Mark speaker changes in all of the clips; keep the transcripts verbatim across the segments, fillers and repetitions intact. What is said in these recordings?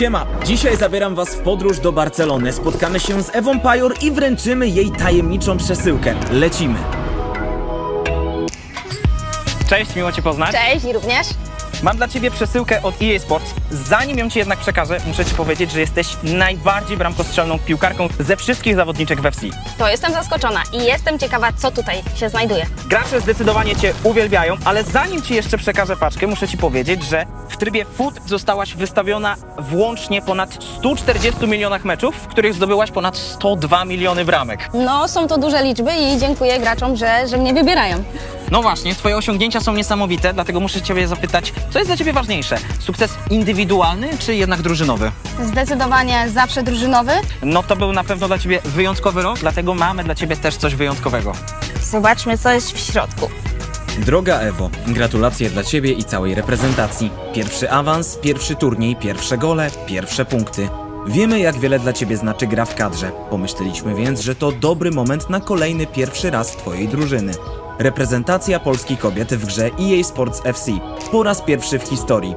Speaker 1: Siema, dzisiaj zabieram was w podróż do Barcelony. Spotkamy się z Ewą Pajor i wręczymy jej tajemniczą przesyłkę. Lecimy.
Speaker 2: Cześć, miło Cię poznać.
Speaker 3: Cześć i również.
Speaker 2: Mam dla Ciebie przesyłkę od E A Sports. Zanim ją Ci jednak przekażę, muszę Ci powiedzieć, że jesteś najbardziej bramkostrzelną piłkarką ze wszystkich zawodniczek w F C.
Speaker 3: To jestem zaskoczona i jestem ciekawa, co tutaj się znajduje.
Speaker 2: Gracze zdecydowanie Cię uwielbiają, ale zanim Ci jeszcze przekażę paczkę, muszę Ci powiedzieć, że w trybie Foot zostałaś wystawiona włącznie ponad stu czterdziestu milionach meczów, w których zdobyłaś ponad sto dwa miliony bramek.
Speaker 3: No, są to duże liczby i dziękuję graczom, że, że mnie wybierają.
Speaker 2: No właśnie, Twoje osiągnięcia są niesamowite, dlatego muszę Ciebie zapytać, co jest dla Ciebie ważniejsze? Sukces indywidualny czy jednak drużynowy?
Speaker 3: Zdecydowanie zawsze drużynowy.
Speaker 2: No to był na pewno dla Ciebie wyjątkowy rok, dlatego mamy dla Ciebie też coś wyjątkowego.
Speaker 3: Zobaczmy, co jest w środku.
Speaker 1: Droga Ewo, gratulacje dla ciebie i całej reprezentacji. Pierwszy awans, pierwszy turniej, pierwsze gole, pierwsze punkty. Wiemy, jak wiele dla ciebie znaczy gra w kadrze. Pomyśleliśmy więc, że to dobry moment na kolejny pierwszy raz twojej drużyny. Reprezentacja Polski kobiet w grze E A Sports F C. Po raz pierwszy w historii.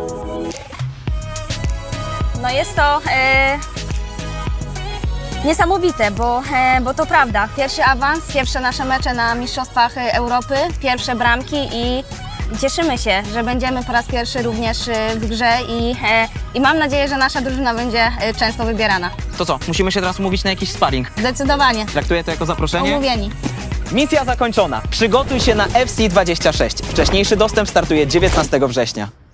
Speaker 4: No jest to e, niesamowite, bo, e, bo to prawda.
Speaker 3: Pierwszy awans, pierwsze nasze mecze na Mistrzostwach Europy, pierwsze bramki i cieszymy się, że będziemy po raz pierwszy również e, w grze i, e, i mam nadzieję, że nasza drużyna będzie e, często wybierana.
Speaker 2: To co, musimy się teraz umówić na jakiś sparring.
Speaker 3: Zdecydowanie.
Speaker 2: Traktuję to jako zaproszenie.
Speaker 3: Umówieni.
Speaker 2: Misja zakończona. Przygotuj się na F C dwadzieścia sześć. Wcześniejszy dostęp startuje dziewiętnastego września.